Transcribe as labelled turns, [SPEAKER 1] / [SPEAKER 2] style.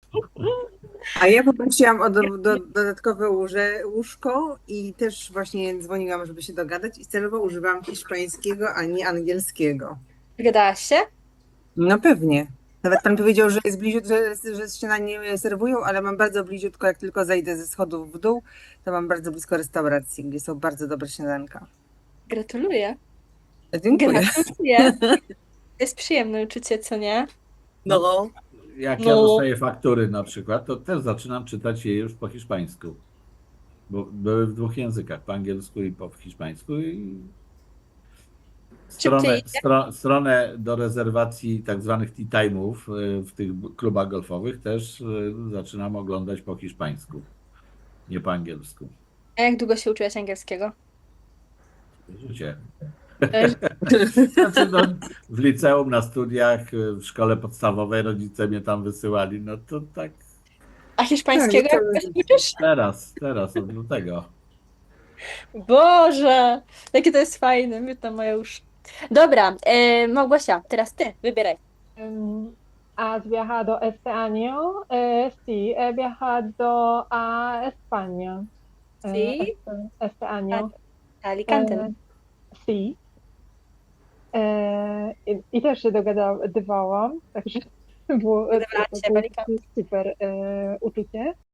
[SPEAKER 1] A ja poprosiłam o dodatkowe łóżko i też właśnie dzwoniłam, żeby się dogadać i celowo używałam hiszpańskiego, a nie angielskiego.
[SPEAKER 2] Gadałaś się?
[SPEAKER 1] No pewnie. Nawet pan powiedział, że jest bliziutko, że śniadanie serwują, ale mam bardzo bliziutko, jak tylko zejdę ze schodów w dół, to mam bardzo blisko restauracji, gdzie są bardzo dobre śniadanka.
[SPEAKER 2] Gratuluję.
[SPEAKER 1] Dziękuję.
[SPEAKER 2] Gratuluję. To jest przyjemne uczucie, co nie?
[SPEAKER 3] No,
[SPEAKER 1] No.
[SPEAKER 3] jak ja
[SPEAKER 2] No.
[SPEAKER 3] dostaję faktury na przykład, to też zaczynam czytać je już po hiszpańsku. Bo były w dwóch językach, po angielsku i po hiszpańsku. I
[SPEAKER 2] Szybciej
[SPEAKER 3] stronę,
[SPEAKER 2] idzie.
[SPEAKER 3] stronę do rezerwacji tak zwanych tea time'ów w tych klubach golfowych też zaczynam oglądać po hiszpańsku, nie po angielsku.
[SPEAKER 2] A jak długo się uczyłaś angielskiego?
[SPEAKER 3] Życie.
[SPEAKER 2] Też.
[SPEAKER 3] Znaczy, no, w liceum, na studiach, w szkole podstawowej rodzice mnie tam wysyłali, no to tak
[SPEAKER 2] A
[SPEAKER 1] Tak,
[SPEAKER 2] hiszpańskiego jak
[SPEAKER 1] całe
[SPEAKER 2] się
[SPEAKER 1] życie.
[SPEAKER 2] uczysz?
[SPEAKER 3] teraz od lutego.
[SPEAKER 2] Boże, jakie to jest fajne, miód moje uszy. Dobra, Małgosia, teraz ty, wybieraj.
[SPEAKER 4] ¿Has viajado este año? Sí, he viajado a España
[SPEAKER 2] Sí,
[SPEAKER 4] este año.
[SPEAKER 2] a Alicante, no?
[SPEAKER 4] Eh, sí. I też się dogadywałam, także było,
[SPEAKER 2] Wydawałaś
[SPEAKER 4] to
[SPEAKER 2] się w
[SPEAKER 4] było
[SPEAKER 2] Alicante.
[SPEAKER 4] super uczucie.